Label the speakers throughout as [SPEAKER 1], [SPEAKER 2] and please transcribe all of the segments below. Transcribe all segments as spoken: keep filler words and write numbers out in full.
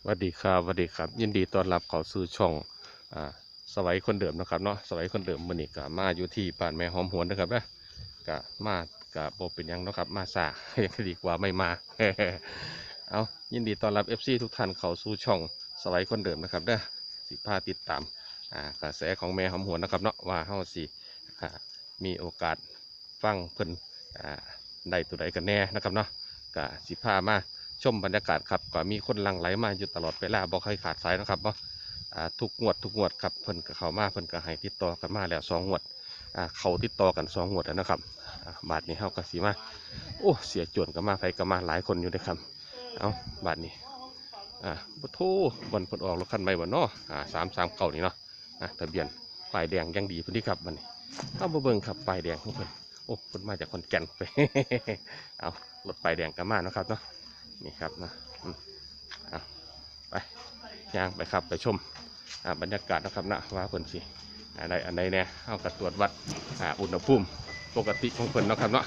[SPEAKER 1] วัสดีครับสวัสดีครับยินดีต้อนรับเข้าสู่ช่องอ่าสวัยคนเดิมนะครับเนาะสวัยคนเดิมมื้อนี้ก็มาอยู่ที่บ้านแม่หอมหวนนะครับนะก็มาก็บ่เป็นหยังเนาะครับมาซา ดีกว่าไม่มา เอายินดีต้อนรับ เอฟ ซี ทุกท่านเข้าสู่ช่องสวัยคนเดิมนะครับเด้อสิพาติดตามอ่ากระแสของแม่หอมหวนนะครับเนาะว่าเฮาสิอ่ามีโอกาสฟังเพิ่นอ่าได้ตัวใดกันแน่นะครับเนาะก็สิพามาชมบรรยากาศครับก็มีคนหลั่งไหลมาอยู่ตลอดเวลาบ่เคยขาดสายนะครับว่าทุกงวดทุกงวดครับเพิ่นก็เข้ามาเพิ่นก็ให้ติดต่อกันมาแล้วสองงวดเขาติดต่อกันสองงวดแล้วนะครับบาทนี้เฮาก็สิมาโอ้เสียจวนก็มาไผก็มาหลายคนอยู่นะครับเอาบาทนี้อ่าบ่โทบนเพิ่นออกรถคันใหม่บ่เนาะอ่าสามสามเก้านี่เนาะอ่าทะเบียนป้ายแดงยังดีพุ่นนี่ครับบัดนี้เอามาเบิ่งครับป้ายแดงของเพิ่นโอ้เพิ่นมาจากขอนแก่นไป เอารถป้ายแดงก็มาเนาะครับเนาะนี่ครับนะเอาไปย่างไปครับไปชมบรรยากาศนะครับนะว่าเพิ่นสิอะไรอันใดเนี่ยเอากระตรวจวัดอุณหภูมิปกติของเพิ่นเนาะครับเนาะ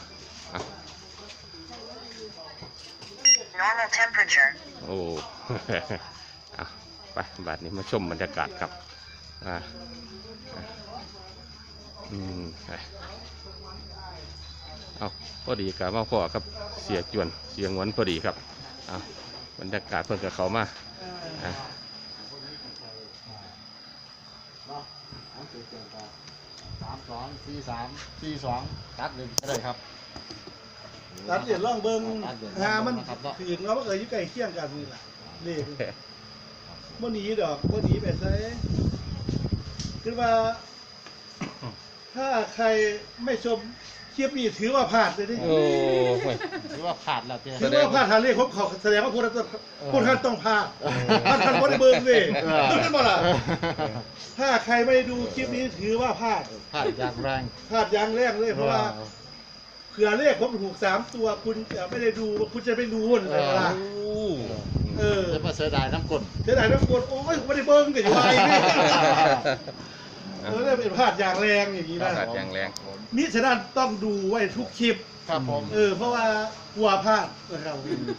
[SPEAKER 2] normal temperature
[SPEAKER 1] โอ้ เอาไปบัดนี้มาชมบรรยากาศครับอ่าอืมเอาพอดีกับมาพ่อครับเสียจวนเสียงวนพอดีครับเอาบรรยากาศเพิ่นกับเขามาอ่า
[SPEAKER 3] สามสองสี่สามสี่สองตัดเลยก็ได้ครับ
[SPEAKER 4] ตัดเหรียญร่องเบิ้งหามันขืนเขาเอ่ยยุ่ไก่เคี่ยงกันนี่แหละเลขเมื่อนี้ดอกเมื่อนี้แบบไซคือว่า ถ้าใครไม่ชมคลิปนี้ถือว่าพลาดเลยดิ
[SPEAKER 1] โอ้ย
[SPEAKER 3] ถือว่าขาดแล้วเจ้
[SPEAKER 4] ถือว่าพลาดทางเลขผมเขาแสดงว่าพวกท่านพวกท่านต้องพลาดพลาดท่านบนเบิ้งเลยรู้ได้บ่ล่ะถ้าใครไม่ดูคลิปนี้ถือว่าพลาด
[SPEAKER 3] ขาดอย่างแรง
[SPEAKER 4] พลาดอย่างแรกเลยเพราะว่าเผื่อเลขผมถูกสามตัวคุณจะไม่ได้ดูคุณจะไม่รู้อะไรเวลาเออ
[SPEAKER 3] จะมาเสียดายน้ำกลน
[SPEAKER 4] เสียดายน้ำกรดโอ้ยไม่ได้เบิ้งกันอยู่ไรนี่เออได้เป็นพลาดอย่างแรงอย่างนี้นะ
[SPEAKER 1] ขาดอย่างแรง
[SPEAKER 4] มิฉะนั้นต้องดูไว้ทุกคลิป
[SPEAKER 3] ครับผม
[SPEAKER 4] เออเพราะว่ากลัวพลาดนะครับ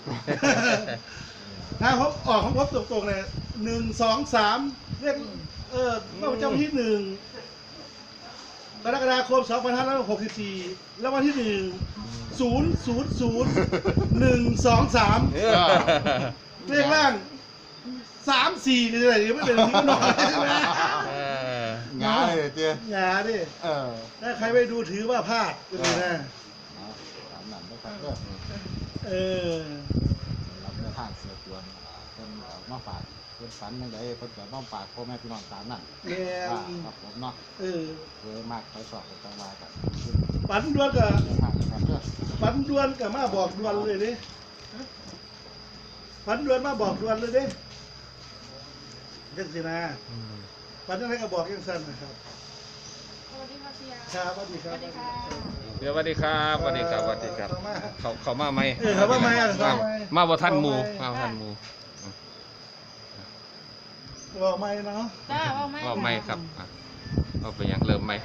[SPEAKER 4] ถ้าผมออกของผมตรงๆเลยหนึ่งสองสามเรียกเออว่าเจ้าที่หนึ่งกรกฎาคมสองพันห้าร้อยหกสิบสี่แล้ววันที่หนึ่งศูนย์ศูนย์ศูนย์หนึ่งสองสามเลขล่างสามสี่นี่อะไรนี่ไม่เป็นที่นอนใช่ไหม
[SPEAKER 3] งาเลยเจ้
[SPEAKER 4] หยาดิ
[SPEAKER 3] เออ
[SPEAKER 4] ถ้าใครไม่ดูถือว่าพลาดก็เลยนะ
[SPEAKER 3] สามหนังนะครับก็
[SPEAKER 4] เออ
[SPEAKER 3] รับเนื้อทางเสียจวนคนมาฝากคนฝันยังไงคนจะต้องฝากพ่อแม่พี่น้องตามนั่น
[SPEAKER 4] แม่
[SPEAKER 3] ครับผมเนาะ
[SPEAKER 4] เออ
[SPEAKER 3] เยอะมากไปสอบกันจังหวะกัน
[SPEAKER 4] ฝันดวนกับ
[SPEAKER 3] เนื้อทางนะครับเพื่อ
[SPEAKER 4] ฝันดวนกับมาบอกดวนเลยดิฝันดวนมาบอกดวนเลยดิยังสินะฝันยังไงก็บอกยังสั้นนะครับ
[SPEAKER 5] สวัสดีค่ะเสีย
[SPEAKER 4] ครับสวัสดีครับ
[SPEAKER 5] สวัสดีค่ะ
[SPEAKER 1] เดี๋ยวสวัสดีครับสวัสดีครับสวัสดีครับ
[SPEAKER 4] เข้ามา
[SPEAKER 1] เขาเขามาไหม
[SPEAKER 4] เออเขามาไหมอ่ะ
[SPEAKER 1] มา
[SPEAKER 4] เขามาไหม
[SPEAKER 1] มาบ่ทันหมูมาบ่ทันหมู
[SPEAKER 4] บอกไม่เนาะ
[SPEAKER 5] จ้าว่าไหม
[SPEAKER 1] ว่าไม่ครับอ่ะเอาไปยังเริ่มไหม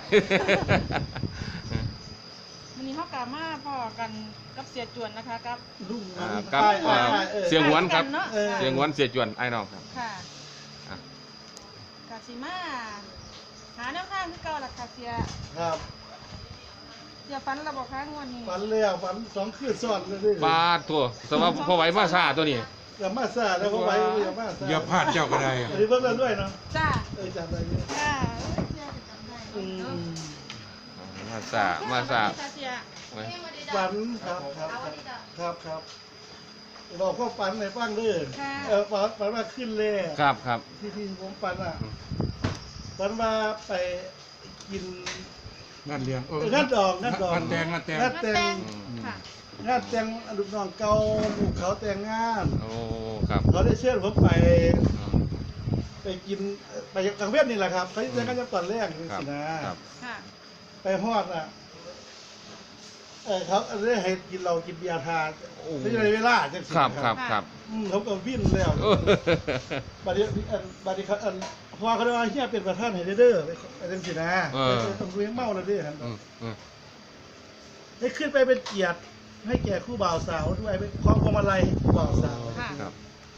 [SPEAKER 5] วันนี้เขากลับมาพอกันกับเสียจวนนะคะกับ
[SPEAKER 4] ลุง
[SPEAKER 1] อ่า
[SPEAKER 4] มัน
[SPEAKER 1] กับ
[SPEAKER 4] ใช่
[SPEAKER 1] อ่า
[SPEAKER 4] ใช่เออ
[SPEAKER 1] เสียงหวนครับ
[SPEAKER 5] เนาะ
[SPEAKER 4] เออ
[SPEAKER 1] เสียงหวนเสียจวนไอ้น้องครับ
[SPEAKER 5] ค่ะ
[SPEAKER 1] อ่ะ
[SPEAKER 5] กาซิมาหาแนวทางคือเก่าล่ะค่ะเสีย
[SPEAKER 4] ครับ
[SPEAKER 5] เสียฟันเราบอกค้างวันนี้
[SPEAKER 4] ฝันแล้วฝันสองคืนซ้อนเลยดิ
[SPEAKER 1] ปลาตัวสำหรับพอไหวมาซาตัวนี้
[SPEAKER 4] อย่ามาซาแล้วเขาไว้อย่ามาซา
[SPEAKER 6] อย่าพลาดเจ้าก็ได้
[SPEAKER 4] อันนี้เพิ่งเล่นด้วยเนาะ
[SPEAKER 5] จ้า
[SPEAKER 4] เออจำได้เนี่ย
[SPEAKER 5] จ้าเสียจำได้
[SPEAKER 4] อืม
[SPEAKER 1] มาซามาซา
[SPEAKER 5] ค่ะเสีย
[SPEAKER 1] ไว้
[SPEAKER 4] ฝันครับครับครับครับบอกพ่อฝันในฟังเด้อเออฝันฝันว่าขึ้นเลย
[SPEAKER 1] ครับครับ
[SPEAKER 4] ที่ที่ผมฝันอ่ะฝันว่าไปกิน
[SPEAKER 6] งานเลี้ยงเออ
[SPEAKER 4] เอองานดอกงานดอก
[SPEAKER 6] งานแต่งงานแต่ง
[SPEAKER 4] งานแต่ง
[SPEAKER 5] ค่ะ
[SPEAKER 4] งานแต่งลูกน้องเก่าลูกเขาแต่งงาน
[SPEAKER 1] โอ้ครับ
[SPEAKER 4] เขาได้เชิญผมไปไปกินไปกลางเวียนนี่แหละครับเขาจะกันจะตอนแรกนี่
[SPEAKER 1] ครับ
[SPEAKER 4] สินะครับ
[SPEAKER 5] ค่ะ
[SPEAKER 4] ไปฮอดอ่ะเออเขาได้ให้กินเรากินเบียร์ทาน
[SPEAKER 1] โอ้
[SPEAKER 4] ไม่ใช่เวลาจังสิ
[SPEAKER 1] ครับครับครับ
[SPEAKER 4] อืมเขาก็วิ่งแล้ว
[SPEAKER 1] โอ้
[SPEAKER 4] บัดนี้อันบัดนี้เขาอันพอเขาได้ว่าเฮียเป็นประธานให้เด้อไปไปจังสินะไปต้องเลี้ยงเมาแล้วเด้อครับ
[SPEAKER 1] อืมอืม
[SPEAKER 4] ได้ขึ้นไปเป็นเกียรติให้แก่คู่บ่าวสาวด้วยไปคล้องพวงมาลัยให้คู่บ่าวสาว
[SPEAKER 5] ค่ะ
[SPEAKER 1] ครับ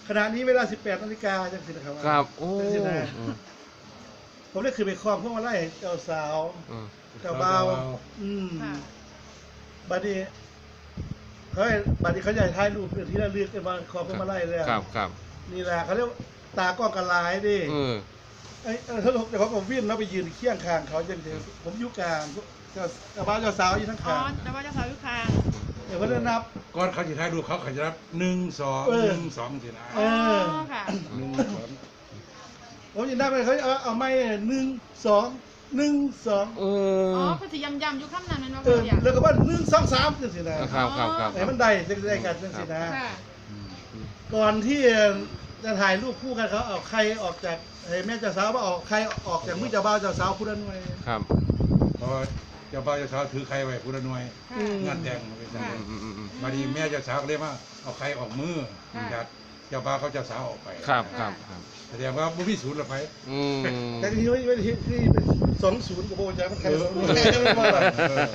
[SPEAKER 4] ขณะนี้เวลาสิบแปดนาฬิกาจังสินะครับ
[SPEAKER 1] ครับโอ้
[SPEAKER 4] จังสินะ
[SPEAKER 1] อืม
[SPEAKER 4] ผมได้คือไปคล้องพวกมาไล่เจ้าสาว
[SPEAKER 1] อืม
[SPEAKER 4] เจ้าบ่าวอืม
[SPEAKER 5] ค่ะ
[SPEAKER 4] บัดนี้เขาให้บัดนี้เขาใหญ่ท้ายรูปเป็นที่ระลึกกันมาคล้องพวกมาไล่เลย
[SPEAKER 1] ครับครับ
[SPEAKER 4] นี่แหละเขาเรียกว่าตากล้องกันลายดิ
[SPEAKER 1] เออ
[SPEAKER 4] ไอ้เออถ้าแต่เขาผมวิ่งแล้วไปยืนเคียงข้างเขาจังสิผมอยู่กลางเจ้าเจ้าบ่าวเจ้าสาวอยู่ทั้ง
[SPEAKER 5] อ๋อ
[SPEAKER 4] ข้าง
[SPEAKER 5] แต่ว่าเจะสาวอยู่คาง
[SPEAKER 4] เดี๋ยวเขาจะนับ
[SPEAKER 6] ก่อนเขาจะถ่ายรูปเขาเขาจะนับหนึ่งสอง
[SPEAKER 4] เออ
[SPEAKER 6] หนึ่งสองสินะ
[SPEAKER 4] เอ
[SPEAKER 5] อ๋อ
[SPEAKER 4] อ
[SPEAKER 5] ค่ะ
[SPEAKER 6] หนึ่งสอง
[SPEAKER 4] ผมยินได้ไปเขาเอาเอาไม่หนึ่งสองหนึ่งสอง
[SPEAKER 1] เอ
[SPEAKER 5] อ๋อ
[SPEAKER 1] อ
[SPEAKER 5] เพิ่นสิยำๆอยู่คำนั้นแม่นบ่
[SPEAKER 4] เออ
[SPEAKER 5] เพิ่นอยาก
[SPEAKER 4] แล้วก็ว่าหนึ่งสองสามจังสินะครับ
[SPEAKER 1] ครับครับ
[SPEAKER 4] ไหนมันได้จังสิได้กันจังสินะ
[SPEAKER 5] ค่ะ
[SPEAKER 4] ก่อนที่จะถ่ายรูปคู่กันเขาเอาใครออกจากเฮ้ยแม่เจ้าสาวว่าออกใครออกจากมือเจ้าบ่าวเจ้าสาวผู้นั้นไว้
[SPEAKER 1] ครับ
[SPEAKER 6] เพราะว่าเจ้าบ่าวเจ้าสาวถือใครไว้ผู้ละหน่วย
[SPEAKER 5] ค่ะ
[SPEAKER 4] อืม
[SPEAKER 6] งานแต่งเป็นจัง
[SPEAKER 5] ค่ะ
[SPEAKER 6] ได
[SPEAKER 1] อืมอืมอืม
[SPEAKER 6] มาดีแม่เจ้าสาวก็เลยว่าเอาใครออกมือ
[SPEAKER 5] ค่ะ
[SPEAKER 6] จากเจ้าบ่าวเขาเจ้าสาวออกไป
[SPEAKER 1] ครับครับครับ
[SPEAKER 6] แสดงว่าบุพิสูจน์หรอไป
[SPEAKER 1] อืม
[SPEAKER 4] แต่ที่นี่ไม่ที่ที่เป็นสองศูนย์กับโบจ้ามันใครสองศูนย์ไม่ว่าหรอก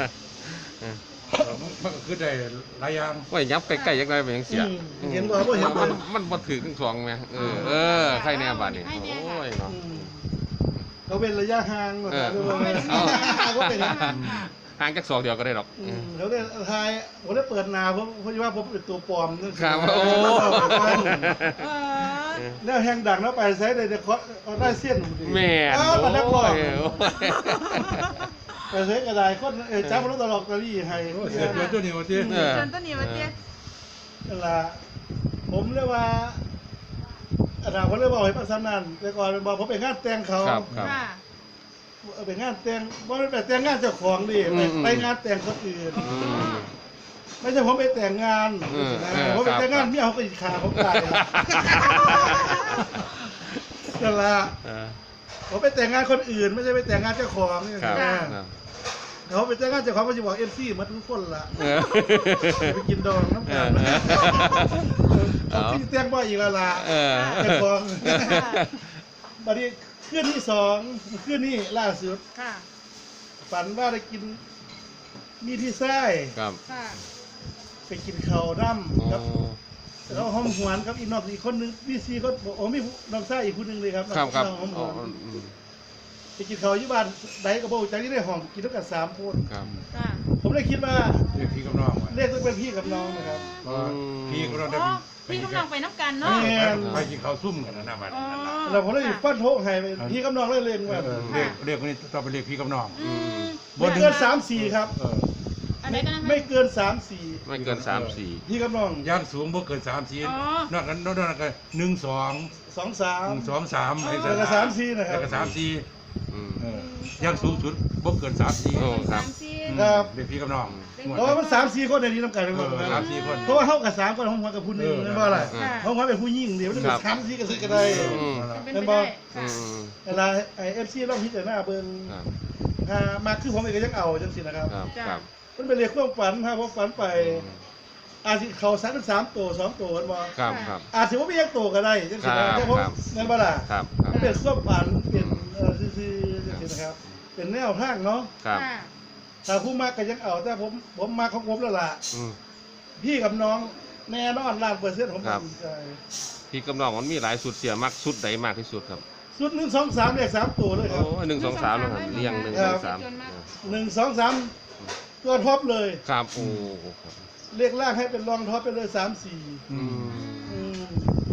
[SPEAKER 6] มันก็คือได้หลายอย่าง
[SPEAKER 1] ว่ายับใกล้ๆยังไงเป็นยังเสีย
[SPEAKER 4] อืมเห็นบ่บ่เห็นบ่
[SPEAKER 1] มันมันบ่ถึงสองแม่เออเออใครแน่บาดนี้
[SPEAKER 5] ให้แน่ค่ะ
[SPEAKER 1] โอ้ยเนาะ
[SPEAKER 4] อืมเขาเป็นระยะห่าง
[SPEAKER 1] เออ
[SPEAKER 4] เขาเป็นระยะห่างก็เป็น
[SPEAKER 1] ห่างจากสองเดียวก็ได้หรอก
[SPEAKER 4] อืมเขาได้ทายผมได้เปิดหนาผมเพราะว่าผมเป็นตัวปลอมนั่น
[SPEAKER 1] ครับ
[SPEAKER 4] โอ้
[SPEAKER 1] โอ้
[SPEAKER 5] เออ
[SPEAKER 4] แล้วแหงดังแล้วไปใช้ได้แต่เขาเขาได้เส้น
[SPEAKER 1] แม่
[SPEAKER 4] อ้าวมานักร้อง
[SPEAKER 1] โอ้ย
[SPEAKER 4] ไปใช้กระดาษคนเออจ้ามันตลกตะลี่ให้
[SPEAKER 6] โอ้เสียตัวตัวนี้ว่าที่
[SPEAKER 1] เออ
[SPEAKER 5] จนต้นนี้ว่าเตี้ย
[SPEAKER 4] นั่นล่ะผมเรียกว่าอาจารย์ผมเลยบอกให้ประสานนั่นแต่ก่อนบอกผมไปงานแต่งเขา
[SPEAKER 1] ครับครับ
[SPEAKER 5] ค่ะ
[SPEAKER 4] เอาไปงานแต่งว่าไม่ไปแต่งงานเจ้าของดิ
[SPEAKER 1] อื
[SPEAKER 4] ไป
[SPEAKER 1] มอืม
[SPEAKER 4] ไปงานแต่งคนอื่น
[SPEAKER 1] อืม
[SPEAKER 4] ไม่ใช่ผมไปแต่งงาน
[SPEAKER 1] อืม
[SPEAKER 4] นะ
[SPEAKER 1] เออ
[SPEAKER 4] ผมไปแต่งงาน
[SPEAKER 1] ครับ
[SPEAKER 4] เมียเขาก็อิจฉาผมตายนั่นล่ะ
[SPEAKER 1] เออ
[SPEAKER 4] ผมไปแต่งงานคนอื่น ไม่ใช่ไปแต่งงานเจ้าของนี่
[SPEAKER 1] ครับ
[SPEAKER 4] นะครับ เขาไปแต่งงานเจ้าของเขาจะบอกเอฟซีมาทุกคนละ
[SPEAKER 1] เออ
[SPEAKER 4] ไปกินดองน้ำ
[SPEAKER 1] เอ
[SPEAKER 4] กั
[SPEAKER 1] อน เออ
[SPEAKER 4] เขาพี่แต่งว่าอีกและละ
[SPEAKER 1] เออ
[SPEAKER 4] เจ้าของบัดนี้คืนที่สองคืนนี้ล่าสุด
[SPEAKER 5] ค่ะ
[SPEAKER 4] ฝันว่าได้กินมีที่ไส้
[SPEAKER 1] ครับ
[SPEAKER 5] ค่ะ
[SPEAKER 4] ไปกินข้าวน้
[SPEAKER 1] โอ้
[SPEAKER 4] ำครับแล้วห้องหวนครับอีกนอกอีกคนนึงพี่ซีก็บอกโอ้มีน้องไส้อีกคนนึงเลยครับ
[SPEAKER 1] ครับครับ
[SPEAKER 4] น้องห้องห
[SPEAKER 1] อ๋อ
[SPEAKER 4] วน
[SPEAKER 1] อืม
[SPEAKER 4] ไปกินข้าวอยู่บ้านไดกระโบจากที่ได้ห้องกินด้วยกันสามคน
[SPEAKER 1] ครับ
[SPEAKER 5] ค่ะ
[SPEAKER 4] ผมเลยคิดว่า
[SPEAKER 6] เรียกพี่กับน้องว่า
[SPEAKER 4] เลขต้องเป็นพี่กับน้องนะครับ
[SPEAKER 6] เพราะว่าพี่กับน้องได้
[SPEAKER 5] อ๋อ
[SPEAKER 6] ไป
[SPEAKER 5] พี่
[SPEAKER 6] กิน
[SPEAKER 5] กำลังไปน้ำกันเนาะ
[SPEAKER 4] แม่
[SPEAKER 6] ไปกินข้าวซุ่มกันนะนะบัด
[SPEAKER 5] อ๋อ
[SPEAKER 6] นั้นนะ
[SPEAKER 4] เราผมเลยฟันโทกให้ไปพี่กับน้องเลยเล่น
[SPEAKER 6] เอ
[SPEAKER 4] ว่า
[SPEAKER 6] อเรียกเรียกคนนี้ต้องไปเรียกพี่กับน้อง
[SPEAKER 5] อืม
[SPEAKER 4] ไม่เกินสามสี่ครับ
[SPEAKER 6] เออ
[SPEAKER 5] อะไรกันนะคะ
[SPEAKER 4] ไม่เกินสามสี่
[SPEAKER 1] ไม่เกินสามสี่
[SPEAKER 4] พี่กับน้อง
[SPEAKER 6] ย่างสูงบ่เกินสามสี่
[SPEAKER 5] อ๋อ
[SPEAKER 6] นอกนั้นนอกนั้นก็หนึ่งสอง
[SPEAKER 4] สองสาม
[SPEAKER 6] หนึ่งสองสามไอ้
[SPEAKER 4] แล้วก็สามสี่นะครับ
[SPEAKER 6] แล้วก็สามสี่
[SPEAKER 1] อืม
[SPEAKER 6] เออย่างสูงสุดบ่เกินสามสี่
[SPEAKER 1] โอ้ครับ
[SPEAKER 5] สามสี่
[SPEAKER 4] ครับ
[SPEAKER 6] เรียกพี่กับน้อง
[SPEAKER 4] เพราะว่ามันสามสี่คนในนี้ต้องการ
[SPEAKER 6] เอ
[SPEAKER 4] ทั้งหมด
[SPEAKER 6] อ
[SPEAKER 4] นะ
[SPEAKER 6] สามสี่คน
[SPEAKER 4] เพราะว่าเท่ากับสามคนห้องหัวกับผู้หนึ่ง
[SPEAKER 6] เออ
[SPEAKER 4] นั่นว่าอะไร
[SPEAKER 5] ค่ะ
[SPEAKER 4] ห้องหัวเป็นผู้หญิงเดี๋ยวมันจะเป็นสามสี่กันสิกันได้
[SPEAKER 1] อืม
[SPEAKER 5] เป็นไปได้
[SPEAKER 1] อื
[SPEAKER 5] ค่ะ
[SPEAKER 1] ม
[SPEAKER 4] เวลาไอเอฟซีต้องพิจารณาเบิ่ง
[SPEAKER 1] ครับ
[SPEAKER 4] อ่ามาคือผมเองก็ยังเอาจังสินะครับ
[SPEAKER 1] ครับครับ
[SPEAKER 4] มันเป็นเรื่องความฝันครับผมฝันไป อาจจะเขาสามเป็นสามตัวสองตัวกันบ่
[SPEAKER 1] ครับครับ
[SPEAKER 4] อาจจะว่าไม่ยังตัวก็ได้จังสินะ
[SPEAKER 1] ครับ
[SPEAKER 4] แต่ผม
[SPEAKER 1] ครับ
[SPEAKER 4] นั่นบ่ล่ะ
[SPEAKER 1] ครับครั
[SPEAKER 4] มัน
[SPEAKER 1] บ
[SPEAKER 4] เป็นความฝันเป็นเอ่อซื่อๆจังสินะครับ เป็นแนวทางเนาะ
[SPEAKER 1] ครับ
[SPEAKER 5] ค่ะ
[SPEAKER 4] ถ้าผู้มากก็ยังเอาแต่ผมผมมาของผมแล้วล่ะ
[SPEAKER 1] อืม
[SPEAKER 4] พี่กับน้องแน่นอนล้านเปอร์เซ็นต์ผม
[SPEAKER 1] ครับ
[SPEAKER 4] มั่นใจ
[SPEAKER 1] พี่กำลังมันมีหลายสุดเสียมักสุดใดมากที่สุดครับ
[SPEAKER 4] สุดหนึ่งสองสามเลขสามตัวเลยค
[SPEAKER 1] โอ้
[SPEAKER 4] รับ
[SPEAKER 1] หนึ่งสองสามนะครับเรียงหนึ่งสองสาม
[SPEAKER 4] หนึ่งสองสามตัวท็อปเลย
[SPEAKER 1] ครับโอ้ครับ
[SPEAKER 4] เลขล่างให้เป็นรองท็อปไปเลยสามสี่
[SPEAKER 1] อืม
[SPEAKER 4] อืม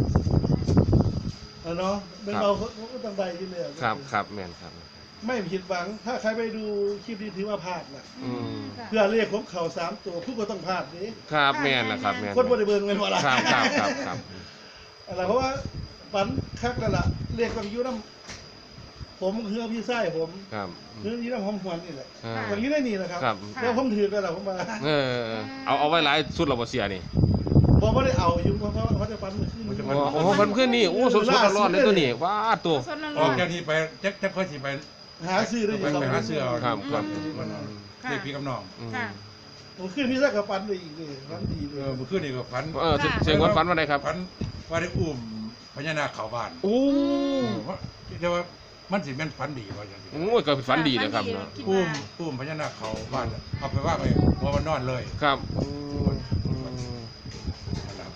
[SPEAKER 4] เอาเนาะเป็นเราก็ต้องได้ที่เลย
[SPEAKER 1] ครับครับแม่นครับ
[SPEAKER 4] ไม่ผิดหวัง ถ้าใครไปดูคลิปนี้ถือว่าพลาดนะ
[SPEAKER 1] อืม
[SPEAKER 4] เพื่อเลขของเขาสามตัวผู้ก็ต้องพลาดดิ
[SPEAKER 1] ครับแม่นนะครับแม่น
[SPEAKER 4] คนบริเบิร์นเงินว่าละ
[SPEAKER 1] ครับครับครับครับ
[SPEAKER 4] อะไรเพราะว่าฝันคักนั่นแหละเลขต้องอยุ่น้ำผมคือพี่ไส้ผม
[SPEAKER 1] ครับ
[SPEAKER 4] คืออยุ่น้ำหอมหวนนี่แหละ
[SPEAKER 1] อ่า
[SPEAKER 4] อย่างนี้ได้นี่นะครับ
[SPEAKER 1] ครับ
[SPEAKER 4] แล้วผมถือกันแหละผมมา
[SPEAKER 1] เออเอาเอาไว้หลายสุดเราบ่เสียนี่
[SPEAKER 4] บอกว่าได้เอาอยู่เพราะเขาเขาจะฟันมือขึ้น
[SPEAKER 1] โอ้โอ้มันขึ้นนี่โอ้สดๆร้อนๆเลยตัวนี้ว้าตัว
[SPEAKER 5] สดร้
[SPEAKER 6] ออ
[SPEAKER 5] อก น
[SPEAKER 6] จากนี้ไปจักจักค่อยสิไป
[SPEAKER 4] หาซื้อได้อ
[SPEAKER 6] ไป
[SPEAKER 4] ยู่
[SPEAKER 6] ไปหาเสื้อเอา
[SPEAKER 1] ครับครับ
[SPEAKER 6] เรียกพี่กับน้อง
[SPEAKER 1] อืม
[SPEAKER 5] ๆค่ะ
[SPEAKER 4] ผมขึ้นพี่ไส้กับฟันเลยอีกเลยฟันดีเล
[SPEAKER 6] เอย อเมื่อคืนนี่ก็ฝัน
[SPEAKER 1] เออเสียงวันฝันว่าไงครับ
[SPEAKER 6] ฝันว่าได้อุ้มพญานาคเข้าบ้าน
[SPEAKER 1] โอ้
[SPEAKER 6] ว่าเดี๋ยวว่ามันสิแม่นฝันดีว่าอย่างนี้
[SPEAKER 1] โอ้ยก็ฝันดีเลยครับเนาะ
[SPEAKER 5] คิด
[SPEAKER 6] อุ้
[SPEAKER 5] ว่าม
[SPEAKER 6] อุ้มพญานาคเข้าบ้านเอาไปว่าไปพอมันนอนเลย
[SPEAKER 1] ครับ
[SPEAKER 6] ฝั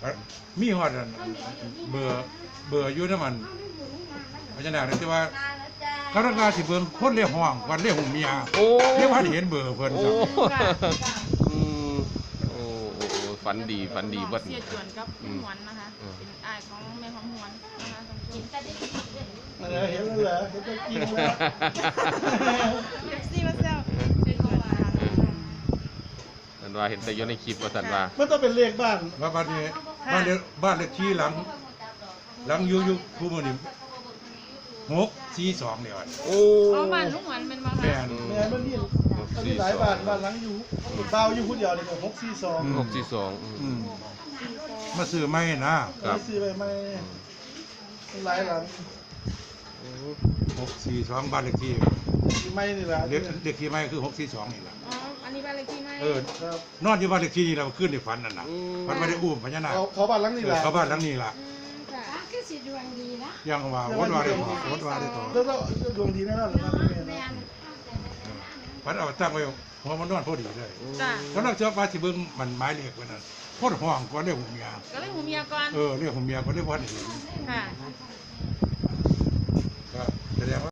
[SPEAKER 6] มีฮอดอันเบอร์เบอร์อยู่นำมันพญานาคที่ว่าเขาต้องการสิเบิ่งคนเรียกห้องวันเรียกหูเมีย
[SPEAKER 1] โอ้
[SPEAKER 6] เรียกว่าเห็นเบอร์เพิ่น
[SPEAKER 1] โอ้
[SPEAKER 6] ครับ
[SPEAKER 1] อืมโอ้โอ้โอ้ฝันดีฝันดีเบิด
[SPEAKER 5] เสียจวนกับ
[SPEAKER 1] อื
[SPEAKER 5] ห
[SPEAKER 1] ม
[SPEAKER 5] วนนะคะ
[SPEAKER 1] อืม
[SPEAKER 5] เป็นอายของแม่หอมหวนนะคะท่านผู้ชม
[SPEAKER 4] อะไรเห็นแล้วเหรอเห็นตัวจริงแล้ว
[SPEAKER 5] เอฟซีมาแซวเสียจวนนะคะ
[SPEAKER 1] สันว่าเห็นแต่อยู่ในคลิปว่าสันว่า
[SPEAKER 4] มันต้องเป็นเลขบ้าน
[SPEAKER 6] ว่าบ้านนี้บ้านเลขบ้านเลขที่หลัง หลังอยู่อยู่คู่มื้อนี้หกสี่สองเนี่ยว่ะ
[SPEAKER 1] โอ้
[SPEAKER 5] อ๋อบ้านลุงหวนเป็นบ้าน
[SPEAKER 6] แม่
[SPEAKER 5] ค่ะ
[SPEAKER 6] น
[SPEAKER 4] แม่มันมีมันมีหลายบ้านบ้านหลังอยู่เบาอยู่คนเดียวเลยหกสี่สอง
[SPEAKER 1] หกสี่สองอืม
[SPEAKER 6] อืมมาซื้อไม่นะ
[SPEAKER 1] ครับ
[SPEAKER 4] ซื้อไปไม่หลายหลัง
[SPEAKER 6] หกสี่สองบ้านเลขที่
[SPEAKER 4] ไม่นี่แหละ
[SPEAKER 6] เลขเลขที่ไม่คือหกสี่สองนี่แหละ
[SPEAKER 5] อ๋ออันนี้บ้านเลขที่ไหม
[SPEAKER 6] เออ
[SPEAKER 4] ครับ
[SPEAKER 6] นอนอยู่บ้านเลขที่นี่เราขึ้นในฝันนั่นน่ะมันไม่ได้อุ้มพญานาค
[SPEAKER 4] เขาเขาบ้านหลังนี่แหละ
[SPEAKER 6] เขาบ้านหลังนี้ล่ะ
[SPEAKER 5] อืมค่ะ
[SPEAKER 6] ยังว่าวัดว่าได้ต่อวัดว่าได้ต่อ
[SPEAKER 4] แล้วก็ดวงดีแน่นอนเลยนะแม่
[SPEAKER 6] พัดเอาตั้งไว้หัวมันนอนพอดีเลย
[SPEAKER 5] จ้ะ
[SPEAKER 6] ก็เราเชื่อว่าสิเบิ่งมันไม้เรียกไว้นั่นโคตรห้องกว่าเรียกหูเมีย
[SPEAKER 5] ก็เลยหูเมียก่อน
[SPEAKER 6] เออเรียกหูเมียก็เรียกว่าเห็น
[SPEAKER 5] ค่ะ
[SPEAKER 6] ก็แสดงว่า